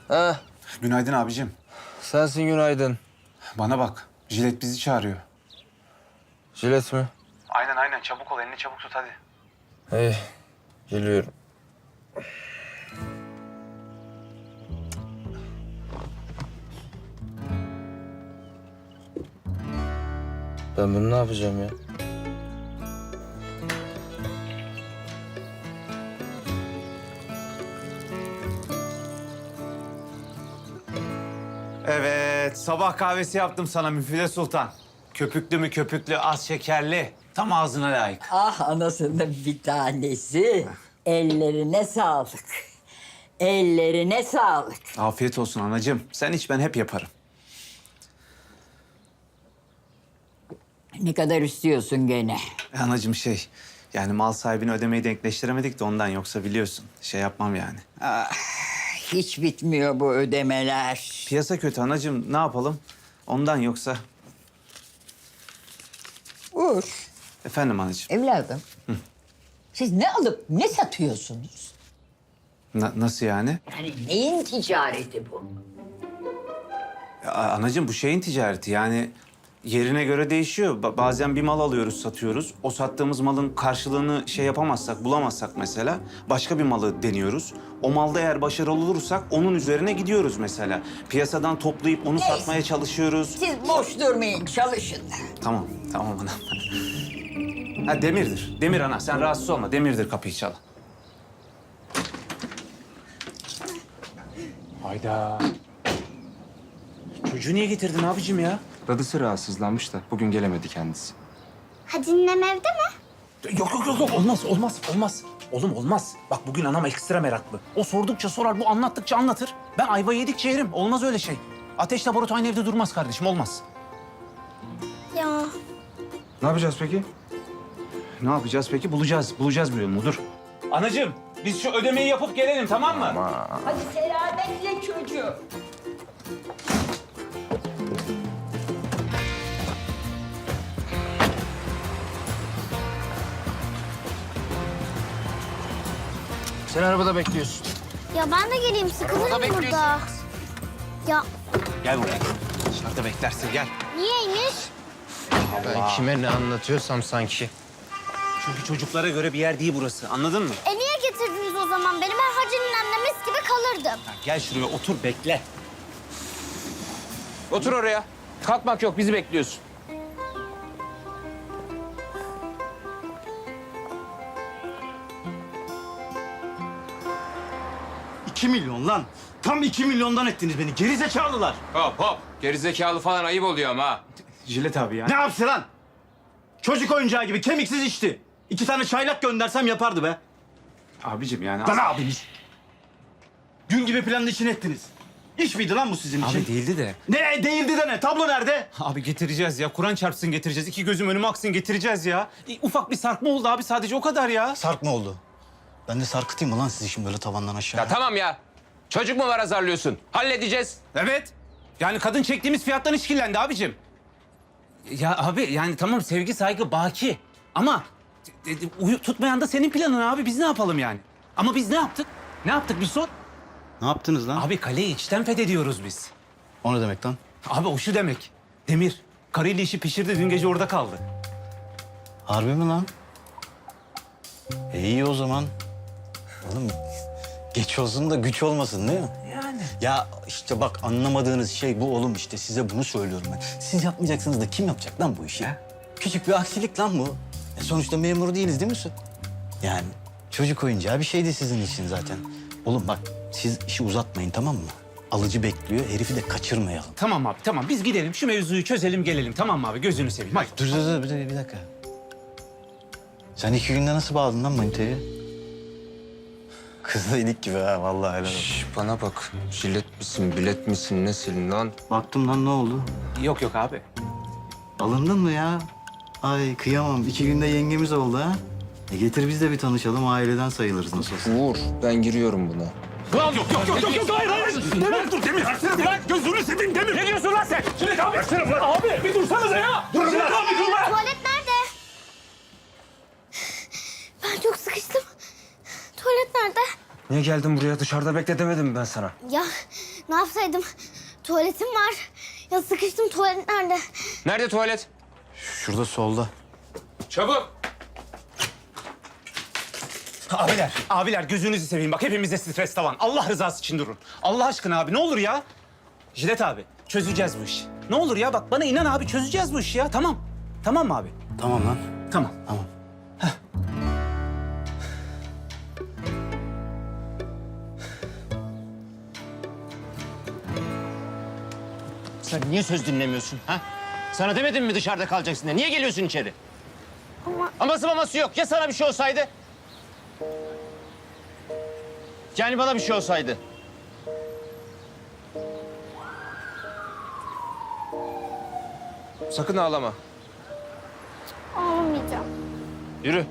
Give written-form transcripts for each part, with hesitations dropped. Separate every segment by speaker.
Speaker 1: Ha,
Speaker 2: Günaydın abicim.
Speaker 1: sensin günaydın.
Speaker 2: Bana bak. Jilet bizi çağırıyor.
Speaker 1: Jilet mi?
Speaker 2: Aynen. Çabuk ol. Elini çabuk tut hadi.
Speaker 1: İyi, geliyorum. Ben bunu ne yapacağım ya?
Speaker 2: Evet. Sabah kahvesi yaptım sana Müfide Sultan. Köpüklü mü köpüklü, az şekerli. Tam ağzına layık.
Speaker 3: Ah anasının bir tanesi. Ellerine sağlık. Ellerine sağlık.
Speaker 2: Afiyet olsun anacığım. Sen iç, ben hep yaparım.
Speaker 3: Ne kadar istiyorsun gene?
Speaker 2: Anacığım yani mal sahibini ödemeyi denkleştiremedik de ondan, yoksa biliyorsun. Yapmam yani.
Speaker 3: Hiç bitmiyor bu ödemeler.
Speaker 2: Piyasa kötü anacığım, ne yapalım? Ondan, yoksa...
Speaker 3: Uğur,
Speaker 2: Efendim anacığım.
Speaker 3: evladım. Siz ne alıp ne satıyorsunuz?
Speaker 2: Nasıl yani?
Speaker 3: Yani neyin ticareti bu?
Speaker 2: Anacığım bu şeyin ticareti, yani yerine göre değişiyor. Bazen bir mal alıyoruz, satıyoruz. O sattığımız malın karşılığını yapamazsak, bulamazsak mesela başka bir malı deniyoruz. O malda eğer başarılı olursak onun üzerine gidiyoruz mesela. Piyasadan toplayıp onu satmaya çalışıyoruz.
Speaker 3: Siz boş durmayın, çalışın.
Speaker 2: Tamam anam. Ha, Demir'dir. Demir ana, sen rahatsız olma. Demir'dir, kapıyı çal. Hayda. Çocuğu niye getirdin abicim ya?
Speaker 1: Dadısı rahatsızlanmış da bugün gelemedi kendisi.
Speaker 4: Hadi ninem evde mi?
Speaker 2: Yok. Olmaz. Oğlum olmaz. Bak bugün anam ekstra meraklı. O sordukça sorar, bu anlattıkça anlatır. Ben ayva yedikçe yerim. Olmaz öyle şey. Ateşle barut aynı evde durmaz kardeşim, olmaz.
Speaker 4: Ya
Speaker 1: Ne yapacağız peki?
Speaker 2: Ne yapacağız peki? Bulacağız bir yolunu. Dur. Anacığım, biz şu ödemeyi yapıp gelelim, tamam mı?
Speaker 3: Hadi selametle çocuğum.
Speaker 1: Sen arabada bekliyorsun.
Speaker 4: ya ben de geleyim, sıkılırım burada. Ya
Speaker 2: Gel buraya. Dışarıda beklersin, gel.
Speaker 4: niyeymiş?
Speaker 1: Ben kime ne anlatıyorsam sanki.
Speaker 2: Çünkü çocuklara göre bir yer değil burası, anladın mı?
Speaker 4: Niye getirdiniz o zaman beni? Ben Hacı ninemle mis gibi kalırdım.
Speaker 2: Gel şuraya otur, bekle.
Speaker 1: Otur oraya. Kalkmak yok, bizi bekliyorsun.
Speaker 5: $2 milyon lan. Tam 2 milyondan ettiniz beni. Geri zekalılar.
Speaker 1: Hop. Gerizekalı falan ayıp oluyor ama ha.
Speaker 2: Jilet abi ya.
Speaker 5: Ne yapsın lan? Çocuk oyuncağı gibi kemiksiz içti. 2 tane çaylak göndersem yapardı be.
Speaker 2: Abicim yani...
Speaker 5: Lan abiniz. Gün gibi planın için ettiniz. İş miydi lan bu sizin için?
Speaker 2: Abi değildi de.
Speaker 5: Ne değildi de ne? Tablo nerede?
Speaker 2: Abi getireceğiz ya. Kur'an çarpsın getireceğiz. İki gözüm önüme aksın getireceğiz ya. Ufak bir sarkma oldu abi, sadece o kadar ya.
Speaker 5: Sark mı oldu? Ben de sarkıtayım mı lan sizi şimdi böyle tavandan aşağı?
Speaker 1: Ya tamam ya. Çocuk mu var azarlıyorsun? Halledeceğiz.
Speaker 2: Evet. Yani kadın çektiğimiz fiyattan işkillendi abicim. Ya abi yani tamam, sevgi saygı baki. Ama tutmayan da senin planın abi. Biz ne yapalım yani? Ama biz ne yaptık? Ne yaptık bir sor.
Speaker 5: Ne yaptınız lan?
Speaker 2: Abi kaleyi içten fethediyoruz biz.
Speaker 5: O ne demek lan?
Speaker 2: Abi o şu demek. Demir karıyla işi pişirdi, dün gece orada kaldı.
Speaker 5: Harbi mi lan? İyi o zaman. Oğlum geç olsun da güç olmasın değil mi?
Speaker 2: Yani.
Speaker 5: Ya işte bak, anlamadığınız şey bu oğlum, işte size bunu söylüyorum ben. Siz yapmayacaksınız da kim yapacak lan bu işi? Küçük bir aksilik lan bu. Sonuçta memur değiliz değil mi Su? Yani çocuk oyuncağı bir şeydi sizin için zaten. Oğlum bak, siz işi uzatmayın, tamam mı? Alıcı bekliyor, herifi de kaçırmayalım.
Speaker 2: Tamam abi tamam, biz gidelim şu mevzuyu çözelim gelelim, tamam mı abi, gözünü seveyim. Hadi.
Speaker 5: Dur bir dakika. Sen 2 günde nasıl bağladın lan manitayı? Kızla ilik gibi ha, vallahi helal olsun.
Speaker 1: Şş, bana bak. Jilet misin, bilet misin, nesin lan?
Speaker 5: Baktım lan, ne oldu?
Speaker 2: Yok abi.
Speaker 5: Alındın mı ya? Ay kıyamam. 2 günde yengemiz oldu ha. Getir biz de bir tanışalım. Aileden sayılırız nasıl olsa.
Speaker 1: Uğur, ben giriyorum buna.
Speaker 5: Lan yok hayır. Demir dur, Demir. Bırak gözünü seveyim Demir. Ne diyorsun lan sen? Şimdi abi. Abi bir dursanıza ya. Dur abi dur lan.
Speaker 4: Tuvalet nerede? Ben çok sıkıştım. Tuvalet nerede?
Speaker 1: Niye geldin buraya? Dışarıda bekle demedim mi ben sana?
Speaker 4: Ya ne yapsaydım? Tuvaletim var. Ya sıkıştım, tuvalet nerede?
Speaker 1: Nerede tuvalet?
Speaker 5: Şurada solda.
Speaker 1: Çabuk.
Speaker 2: Abiler gözünüzü seveyim. Bak hepimizde stres tavan. Allah rızası için durun. Allah aşkına abi ne olur ya. Jilet abi çözeceğiz bu işi. Ne olur ya bak bana inan abi çözeceğiz bu işi ya. Tamam. Tamam mı abi?
Speaker 5: Tamam lan.
Speaker 2: Tamam.
Speaker 5: Tamam.
Speaker 6: Sen niye söz dinlemiyorsun ha? Sana demedim mi dışarıda kalacaksın diye? Niye geliyorsun içeri? Aması maması yok. Ya sana bir şey olsaydı? Yani bana bir şey olsaydı?
Speaker 1: Sakın ağlama.
Speaker 4: Ağlamayacağım.
Speaker 6: Yürü.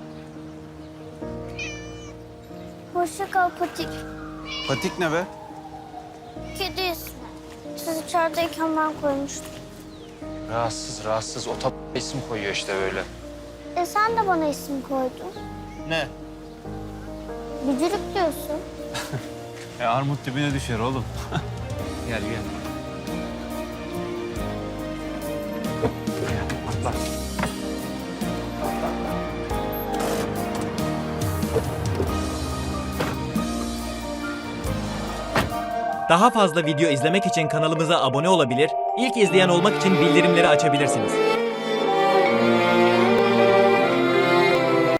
Speaker 4: Hoşça kal Patik.
Speaker 2: Patik ne be?
Speaker 4: Kedi ismi. Siz içerideyken ben koymuştum.
Speaker 1: Rahatsız. O isim koyuyor işte böyle.
Speaker 4: Sen de bana isim koydun.
Speaker 6: Ne?
Speaker 4: Bücürük diyorsun.
Speaker 2: Armut dibine düşer oğlum. Gel.
Speaker 7: Daha fazla video izlemek için kanalımıza abone olabilir, ilk izleyen olmak için bildirimleri açabilirsiniz.